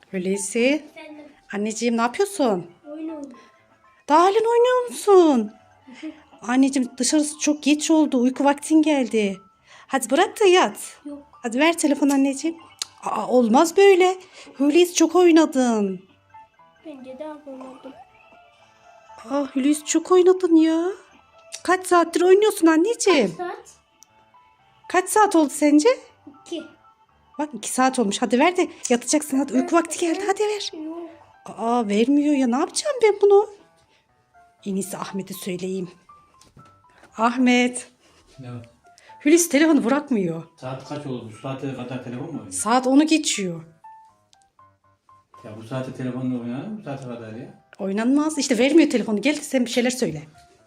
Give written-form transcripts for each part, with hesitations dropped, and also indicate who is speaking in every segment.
Speaker 1: Hulusi.
Speaker 2: Efendim,
Speaker 1: Anneciğim ne yapıyorsun?
Speaker 2: oyun oynuyor.
Speaker 1: Daha halen oynuyor musun? Anneciğim dışarısı çok geç oldu. Uyku vaktin geldi. Hadi bırak da yat.
Speaker 2: Yok,
Speaker 1: Hadi ver telefon anneciğim. Aa, olmaz böyle. Hulusi çok oynadın.
Speaker 2: bence de yapamadım.
Speaker 1: Hulusi çok oynadın ya. Kaç saattir oynuyorsun anneciğim?
Speaker 2: Saat
Speaker 1: Kaç saat oldu sence?
Speaker 2: 2.
Speaker 1: Bak 2 saat olmuş. Hadi ver de yatacaksın. Hadi uyku vakti geldi. Hadi ver.
Speaker 2: Yok.
Speaker 1: Vermiyor ya. Ne yapacağım ben bunu? En iyisi Ahmet'e söyleyeyim. Ahmet.
Speaker 3: Ne var?
Speaker 1: Hulusi telefonu bırakmıyor.
Speaker 3: Saat kaç oldu? Bu saate kadar telefon mu oynuyor?
Speaker 1: Saat 10'u geçiyor.
Speaker 3: Ya bu saate telefonla oynar mı? Bu saate kadar ya.
Speaker 1: Oynanmaz. İşte vermiyor telefonu. Gel de sen bir şeyler söyle.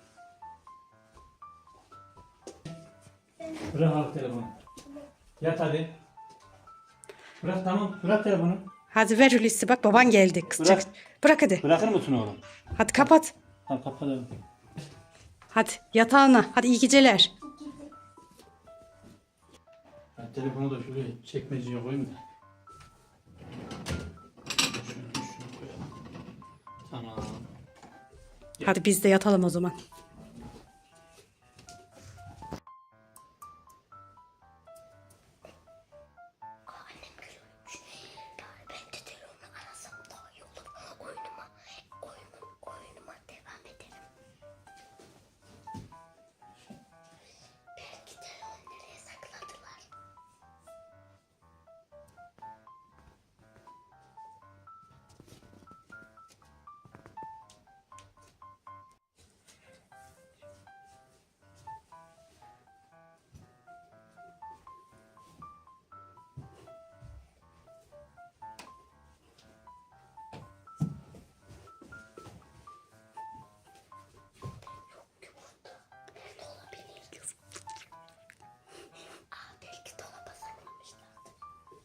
Speaker 3: Bırak al telefonu. Yat hadi. Bırak tamam. Bırak telefonu.
Speaker 1: Hadi ver Hulusi. Bak baban geldi. Kızacak.
Speaker 3: Bırak.
Speaker 1: Bırak hadi.
Speaker 3: Bırakır mısın oğlum?
Speaker 1: Hadi kapat.
Speaker 3: Tamam kapatalım.
Speaker 1: Hadi yatağına. Hadi iyi geceler.
Speaker 3: Ben telefonu da şuraya çekmeceye koyayım da. Şunu koyalım. Tamam.
Speaker 1: Hadi biz de yatalım o zaman.
Speaker 2: Annem gülüyormuş. Yani ben de telefonla arasam daha iyi olur. Oyunuma devam ederim. Belki telefonu nereye sakladılar? Nerede olabilir? Belki dolaba saklamışlardır.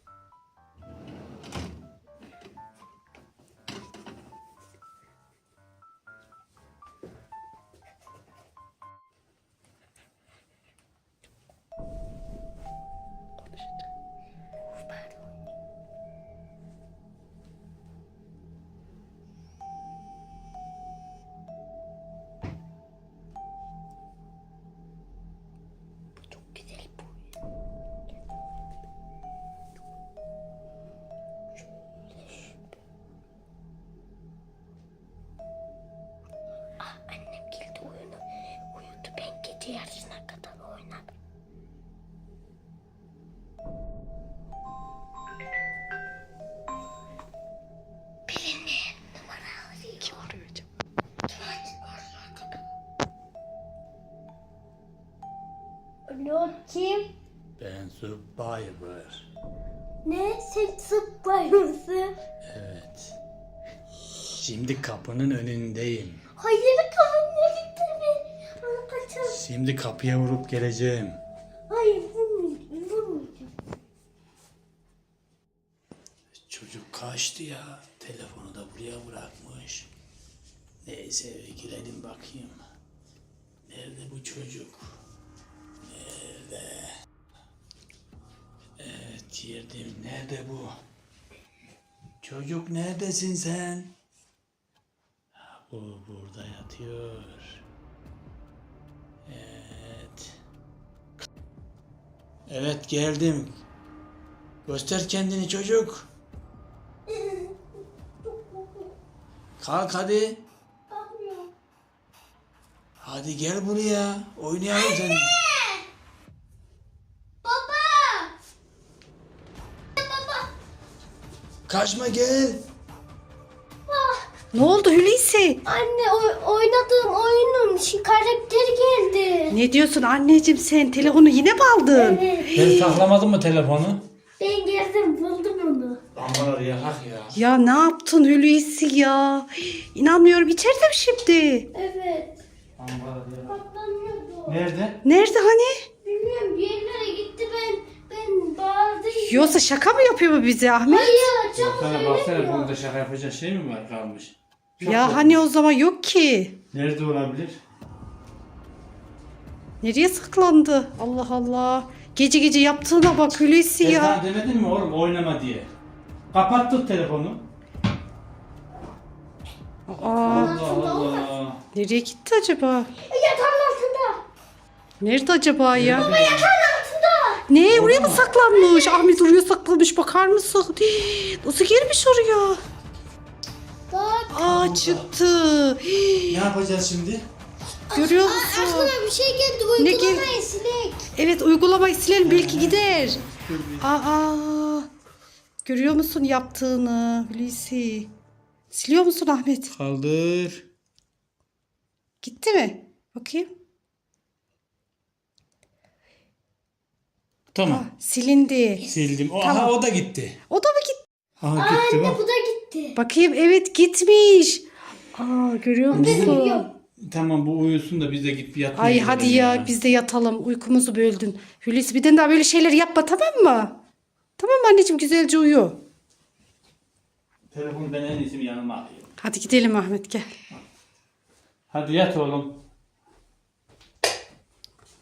Speaker 2: Pardon. Çok güzel bu. Annem geldi uyudu. Ben gece yarısına kadar oynadım. Birini numara arıyor.
Speaker 1: Kim arıyor acaba?
Speaker 2: Alo kim?
Speaker 3: Ben Survivor.
Speaker 2: Ne? Sen sıplar mısın?
Speaker 3: Evet. Şimdi kapının önündeyim.
Speaker 2: Hayır kafamda gitti mi? Bana kaçalım.
Speaker 3: Şimdi kapıya vurup geleceğim.
Speaker 2: Hayır vurmayacağım.
Speaker 3: Çocuk kaçtı ya. Telefonu da buraya bırakmış. Neyse eve girelim bakayım. Nerede bu çocuk? Nerede? Evet girdim. Nerede bu? Çocuk neredesin sen? Ha, bu burada yatıyor. Evet. Evet geldim. Göster kendini çocuk. Kalk hadi.
Speaker 2: Kalkmıyorum.
Speaker 3: Hadi gel buraya. Oynayalım sen.
Speaker 2: Baba!
Speaker 3: Kaçma gel.
Speaker 1: Ne oldu Hulusi?
Speaker 2: Anne oynadığım oyunun karakteri geldi.
Speaker 1: Ne diyorsun anneciğim sen? Telefonu yine mi aldın?
Speaker 2: Evet.
Speaker 3: Ben saklamadın mı telefonu?
Speaker 2: Ben geldim buldum onu.
Speaker 3: Lambaları yakak ya.
Speaker 1: Ya ne yaptın Hulusi ya? İnanmıyorum. İçeride mi şimdi?
Speaker 2: Evet.
Speaker 3: Lambaları yakak.
Speaker 2: Patlamıyordu.
Speaker 3: Nerede?
Speaker 1: Nerede hani?
Speaker 2: Bilmiyorum bir yerlere gitti ben bağırdım.
Speaker 1: Yoksa şaka mı yapıyor bu bize Ahmet?
Speaker 2: Hayır çok
Speaker 3: Baksana baksana
Speaker 2: söylemiyor.
Speaker 3: burada şaka yapacak şey mi var kalmış? Çok
Speaker 1: Ya
Speaker 3: yok.
Speaker 1: hani o zaman yok ki.
Speaker 3: Nerede olabilir?
Speaker 1: Nereye saklandı? Allah Allah. Gece gece yaptığına bak Hulusi
Speaker 3: Ben
Speaker 1: ya.
Speaker 3: sana demedim mi oğlum oynama diye? Kapattık telefonu.
Speaker 1: Aa,
Speaker 3: Allah Allah.
Speaker 1: nereye gitti acaba?
Speaker 2: Yatağın altında.
Speaker 1: Nerede acaba ya?
Speaker 2: Yatağın altında.
Speaker 1: Ne? Oraya mı saklanmış? Ahmet oraya saklanmış. Bakar mısın? Hii, nasıl girmiş oraya?
Speaker 2: Bak.
Speaker 1: Aa, çıktı. Hii,
Speaker 3: Ne yapacağız şimdi?
Speaker 1: görüyor musun?
Speaker 2: Aklına bir şey geldi.
Speaker 1: Ne geldi?
Speaker 2: Uygulamayı silek.
Speaker 1: Evet, uygulamayı silelim, belki gider. Aa, görüyor musun yaptığını Hulusi? Siliyor musun Ahmet?
Speaker 3: Kaldır.
Speaker 1: Gitti mi? Bakayım.
Speaker 3: Tamam.
Speaker 1: Silindi.
Speaker 3: Sildim.
Speaker 1: Tamam.
Speaker 3: Aha o da gitti.
Speaker 1: O da mı gitti?
Speaker 3: Aha gitti
Speaker 2: Anne
Speaker 3: bak.
Speaker 2: bu da gitti.
Speaker 1: Bakayım, evet gitmiş. Aa, görüyor musun?
Speaker 3: Tamam bu uyusun da biz de git bir yatmaya
Speaker 1: Ay
Speaker 3: gidelim
Speaker 1: hadi ya, biz de yatalım. Uykumuzu böldün. Hulusi, bir de daha böyle şeyler yapma, tamam mı? Tamam mı anneciğim, güzelce uyu.
Speaker 3: Telefonu ben en iyisi yanıma alayım.
Speaker 1: Hadi gidelim Ahmet, gel.
Speaker 3: Hadi yat oğlum.